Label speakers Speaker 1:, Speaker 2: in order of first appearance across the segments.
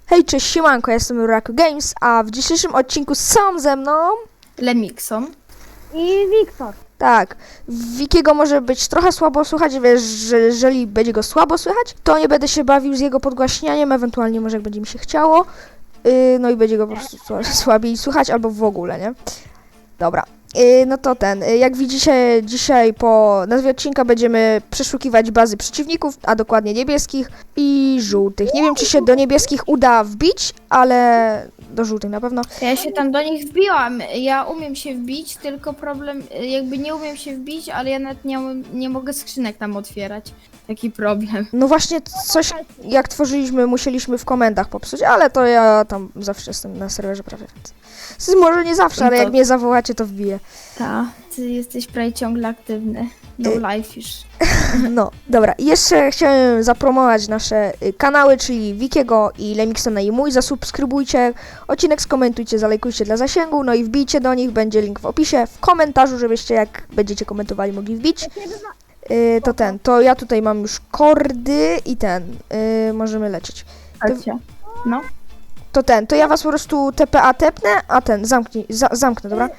Speaker 1: Hej, cześć, siemanko, ja jestem Raku Games, a w dzisiejszym odcinku są ze mną...
Speaker 2: Lemikson.
Speaker 3: I Wiktor.
Speaker 1: Tak, Wikiego może być trochę słabo słychać, wiesz, że jeżeli będzie go słabo słychać, to nie będę się bawił z jego podgłaśnianiem, ewentualnie może jak będzie mi się chciało, no i będzie go po prostu słabiej słychać, albo w ogóle, nie? Dobra. No to jak widzicie, dzisiaj po nazwie odcinka będziemy przeszukiwać bazy przeciwników, a dokładnie niebieskich i żółtych. Nie wiem, czy się do niebieskich uda wbić, ale do żółtych na pewno.
Speaker 2: Ja się tam do nich wbiłam. Ja umiem się wbić, tylko problem, jakby nie umiem się wbić, ale ja nawet nie mogę skrzynek tam otwierać. Taki problem.
Speaker 1: No właśnie coś, jak tworzyliśmy, musieliśmy w komendach popsuć, ale to ja tam zawsze jestem na serwerze prawie. Może nie zawsze, ale
Speaker 2: No to-
Speaker 1: jak mnie zawołacie, to wbiję.
Speaker 2: Ta, ty jesteś prawie ciągle aktywny. No life już.
Speaker 1: No, dobra. I jeszcze chciałem zapromować nasze kanały, czyli Wikiego i Lemiksona i mój. Zasubskrybujcie odcinek, skomentujcie, zalajkujcie dla zasięgu, no i wbijcie do nich, będzie link w opisie, w komentarzu, żebyście jak będziecie komentowali mogli wbić. To ja tutaj mam już kordy i możemy lecieć.
Speaker 2: Chodźcie. No.
Speaker 1: To ja was po prostu TPA tepnę, a zamknę, dobra?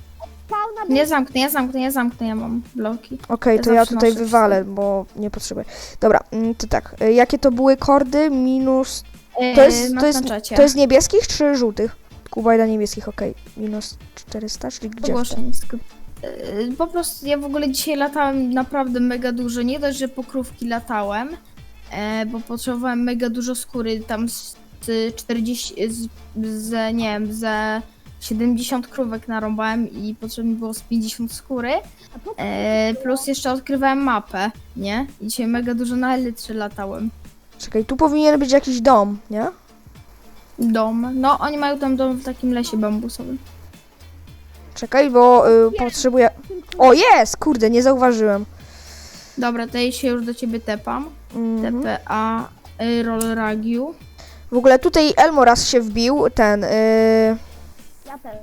Speaker 2: Ja zamknę, ja mam bloki.
Speaker 1: Okej, to
Speaker 2: Ja
Speaker 1: ja
Speaker 2: zawsze
Speaker 1: tutaj
Speaker 2: noszę
Speaker 1: wywalę, bo nie potrzebuję. Dobra, to tak, jakie to były kordy? Minus... To jest niebieskich czy żółtych? Kubajda niebieskich, okej. Minus 400, czyli gdzie?
Speaker 2: Ogłoszeń. Po prostu ja w ogóle dzisiaj latałem naprawdę mega dużo. Nie dość, że po krówki latałem, bo potrzebowałem mega dużo skóry, tam z 40, nie wiem, ze 70 krówek narąbałem i potrzebne było z 50 skóry, plus jeszcze odkrywałem mapę, nie? I dzisiaj mega dużo na elytrze latałem.
Speaker 1: Czekaj, tu powinien być jakiś dom, nie?
Speaker 2: Dom, no oni mają tam dom w takim lesie bambusowym.
Speaker 1: Czekaj, bo potrzebuję... O, jest! Kurde, nie zauważyłem.
Speaker 2: Dobra, to ja się już do ciebie tepam.
Speaker 1: Mhm.
Speaker 2: TPA Roll Ragiu.
Speaker 1: W ogóle tutaj Elmo raz się wbił,
Speaker 3: Ja też.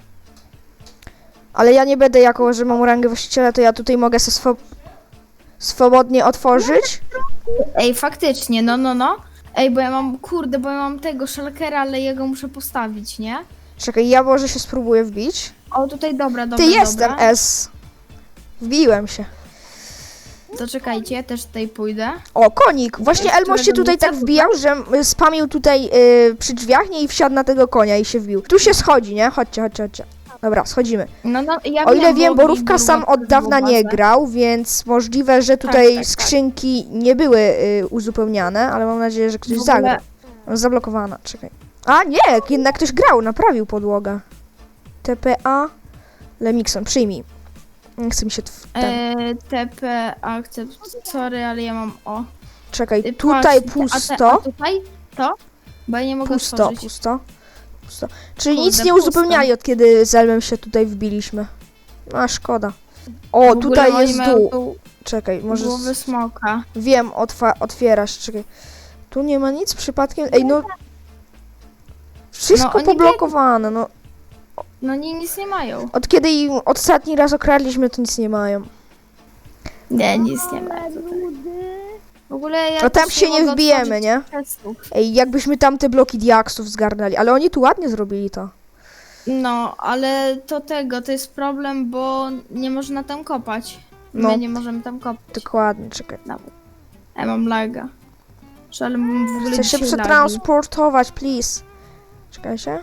Speaker 1: ale ja nie będę, jako że mam rangę właściciela, to ja tutaj mogę se swobodnie otworzyć.
Speaker 2: Ej, faktycznie, no. Ej, bo ja mam tego szalkera, ale jego muszę postawić, nie?
Speaker 1: Czekaj, ja może się spróbuję wbić.
Speaker 2: O, tutaj dobra.
Speaker 1: Jestem S. Wbiłem się.
Speaker 2: To czekajcie, ja też tutaj pójdę.
Speaker 1: O, konik! Właśnie Elmo się
Speaker 2: którego
Speaker 1: tutaj
Speaker 2: nie
Speaker 1: tak
Speaker 2: chcę,
Speaker 1: wbijał, że spamił tutaj przy drzwiach, nie? I wsiadł na tego konia i się wbił. Tu się schodzi, nie? Chodźcie. Dobra, schodzimy.
Speaker 2: No, ja
Speaker 1: O ile wiem,
Speaker 2: Borówki,
Speaker 1: Borówka sam od dawna nie grał, więc możliwe, że tutaj
Speaker 2: tak.
Speaker 1: skrzynki nie były uzupełniane, ale mam nadzieję, że ktoś
Speaker 2: W ogóle-
Speaker 1: zagra. Zablokowana, czekaj. A nie, jednak ktoś grał, naprawił podłogę. TPA Lemikson, przyjmij. Nie chce mi się
Speaker 2: TP akcept, sorry, ale ja mam
Speaker 1: Czekaj,
Speaker 2: patrz,
Speaker 1: tutaj
Speaker 2: a
Speaker 1: pusto.
Speaker 2: tutaj to? Bo ja nie mogę otworzyć.
Speaker 1: Pusto. Czyli
Speaker 2: Kurde,
Speaker 1: nic nie
Speaker 2: pusto.
Speaker 1: uzupełniali, od kiedy z Elmem się tutaj wbiliśmy. A, szkoda. O,
Speaker 2: W ogóle
Speaker 1: tutaj
Speaker 2: oni
Speaker 1: jest
Speaker 2: mają
Speaker 1: dół.
Speaker 2: tu
Speaker 1: Czekaj, może...
Speaker 2: głowy smoka.
Speaker 1: Wiem, otwierasz, czekaj. Tu nie ma nic przypadkiem. Ej, no... Wszystko
Speaker 2: oni
Speaker 1: poblokowane, no.
Speaker 2: No nic nie mają.
Speaker 1: Od kiedy im ostatni raz okradliśmy, to nic nie mają.
Speaker 2: Nie, nic nie mają.
Speaker 3: Ludy.
Speaker 2: W ogóle ja
Speaker 1: A tam
Speaker 2: też
Speaker 1: się nie
Speaker 2: mogę
Speaker 1: wbijemy,
Speaker 2: otworzyć
Speaker 1: nie?
Speaker 2: testów.
Speaker 1: Ej, jakbyśmy tam te bloki diaksów zgarnęli, ale oni tu ładnie zrobili to.
Speaker 2: No, ale to jest problem, bo nie można tam kopać.
Speaker 1: No.
Speaker 2: My nie możemy tam kopać.
Speaker 1: Dokładnie, czekaj.
Speaker 2: Nawet. Ja mam laga. Ale mam w ogóle
Speaker 1: Chcę się
Speaker 2: dzisiaj lagi.
Speaker 1: przetransportować, please. Czekajcie.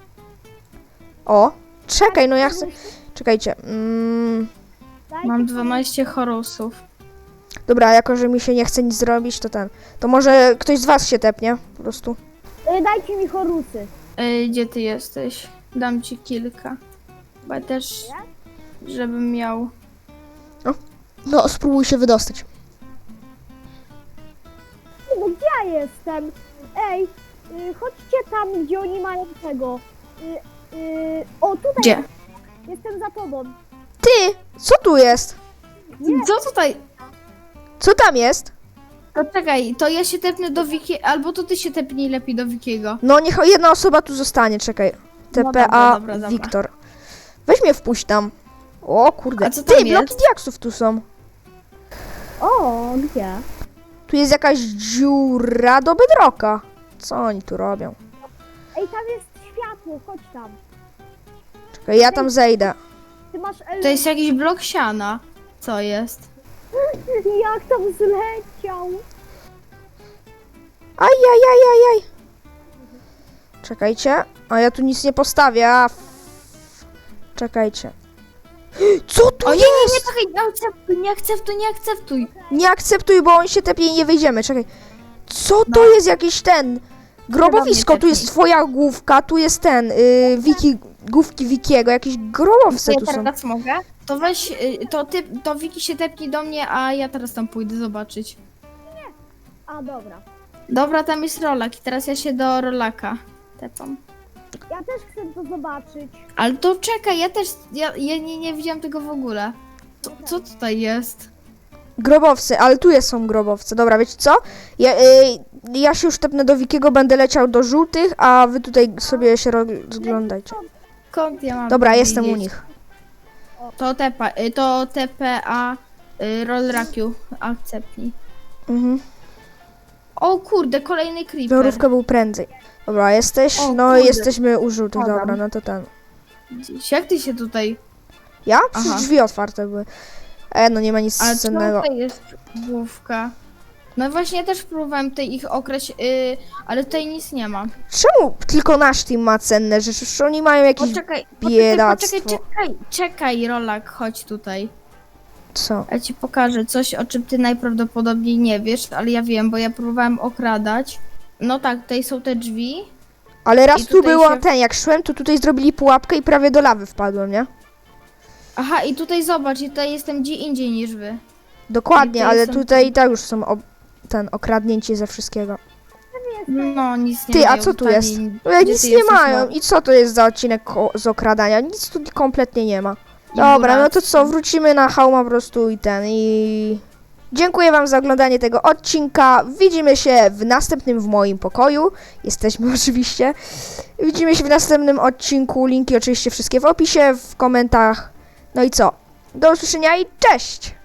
Speaker 1: O, czekaj, no ja chcę... Czekajcie.
Speaker 2: Mam 12 chorusów.
Speaker 1: Dobra, jako że mi się nie chce nic zrobić, to może ktoś z was się tepnie, po prostu.
Speaker 3: Dajcie mi chorusy.
Speaker 2: Gdzie ty jesteś? Dam ci kilka. Bo ja też, żebym miał...
Speaker 1: No, spróbuj się wydostać.
Speaker 3: No gdzie ja jestem? Ej, chodźcie tam, gdzie oni mają tego. O, tutaj.
Speaker 2: Gdzie?
Speaker 3: Jestem za tobą.
Speaker 1: Ty, co tu jest?
Speaker 2: Co tutaj?
Speaker 1: Co tam jest?
Speaker 2: To czekaj, to ja się tepnę do Wiki, albo to ty się tepnij lepiej do Wikiego.
Speaker 1: No, niech jedna osoba tu zostanie, czekaj.
Speaker 2: No
Speaker 1: TPA
Speaker 2: dobra.
Speaker 1: Wiktor. Weź mnie wpuść tam. O kurde.
Speaker 2: A co tam
Speaker 1: Ty, bloki
Speaker 2: jest?
Speaker 1: diaksów tu są.
Speaker 3: O, gdzie?
Speaker 1: Tu jest jakaś dziura do bedrocka. Co oni tu robią?
Speaker 3: Ej, tam jest światło, chodź tam.
Speaker 1: Czekaj, ja tam zejdę.
Speaker 3: Ty masz
Speaker 2: To jest jakiś blok siana. Co jest?
Speaker 3: Jak tam zleciał?
Speaker 1: Ajajajajaj. Czekajcie. A ja tu nic nie postawię. Czekajcie. Co tu
Speaker 2: O nie,
Speaker 1: jest?
Speaker 2: nie, nie, czekaj, nie akceptuj, nie akceptuj.
Speaker 1: Nie akceptuj, bo on się tepie i nie wyjdziemy. Czekaj. Co to jest jakiś ten? Grobowisko, tu jest twoja główka, tu jest ten, główki Wikiego, jakieś grobowce
Speaker 2: Ja
Speaker 1: tu są.
Speaker 2: teraz mogę? To weź, to Wiki się tepnij do mnie, a ja teraz tam pójdę zobaczyć.
Speaker 3: A, dobra.
Speaker 2: Dobra, tam jest rolak i teraz ja się do rolaka tepam.
Speaker 3: Ja też chcę to zobaczyć.
Speaker 2: Ale to czekaj, ja nie widziałam tego w ogóle. Co tutaj jest?
Speaker 1: Grobowce, ale tu są grobowce. Dobra, wiecie co? Ja się już tepnę do Wikiego, będę leciał do żółtych, a wy tutaj sobie się rozglądajcie.
Speaker 2: Skąd ja mam
Speaker 1: Dobra,
Speaker 2: to
Speaker 1: jestem u
Speaker 2: widzieć?
Speaker 1: nich.
Speaker 2: To TPA rollrakiu akceptnij.
Speaker 1: Mhm.
Speaker 2: O kurde, kolejny creeper.
Speaker 1: Żarówka był prędzej. Dobra, jesteś?
Speaker 2: O,
Speaker 1: No,
Speaker 2: kurde.
Speaker 1: jesteśmy u żółtych,
Speaker 2: Padam.
Speaker 1: dobra, no to ten.
Speaker 2: Gdzieś. Jak ty się tutaj...
Speaker 1: Ja? Przecież
Speaker 2: Aha.
Speaker 1: drzwi otwarte były. No nie ma nic
Speaker 2: Ale
Speaker 1: cennego.
Speaker 2: tutaj jest główka. No właśnie, ja też próbowałem tutaj ich okraść, ale tutaj nic nie ma.
Speaker 1: Czemu tylko nasz team ma cenne rzeczy? Przecież oni mają jakieś...
Speaker 2: Poczekaj,
Speaker 1: biedactwo.
Speaker 2: czekaj, Rolak, chodź tutaj.
Speaker 1: Co?
Speaker 2: Ja ci pokażę coś, o czym ty najprawdopodobniej nie wiesz, ale ja wiem, bo ja próbowałem okradać. No tak, tutaj są te drzwi.
Speaker 1: Ale raz
Speaker 2: I
Speaker 1: tu
Speaker 2: tutaj
Speaker 1: było
Speaker 2: się-
Speaker 1: ten, jak szłem, to tutaj zrobili pułapkę i prawie do lawy wpadłem, nie?
Speaker 2: Aha, i tutaj zobacz, i tutaj jestem gdzie indziej niż wy. I
Speaker 1: Dokładnie,
Speaker 2: to
Speaker 1: ale
Speaker 2: jestem
Speaker 1: tutaj i tak już są okradnięci ze wszystkiego.
Speaker 2: No, nic nie
Speaker 1: Ty, a
Speaker 2: mają
Speaker 1: co tu
Speaker 2: tutaj,
Speaker 1: jest?
Speaker 2: gdzie
Speaker 1: Nic
Speaker 2: ty
Speaker 1: nie
Speaker 2: jesteś,
Speaker 1: mają.
Speaker 2: no.
Speaker 1: I co to jest za odcinek z okradania? Nic tu kompletnie nie ma.
Speaker 2: I
Speaker 1: Dobra, no to
Speaker 2: buractwo.
Speaker 1: co, wrócimy na Hauma po prostu i... Dziękuję wam za oglądanie tego odcinka. Widzimy się w następnym w moim pokoju. Jesteśmy oczywiście. Widzimy się w następnym odcinku. Linki oczywiście wszystkie w opisie, w komentarzach. No i co? Do usłyszenia i cześć!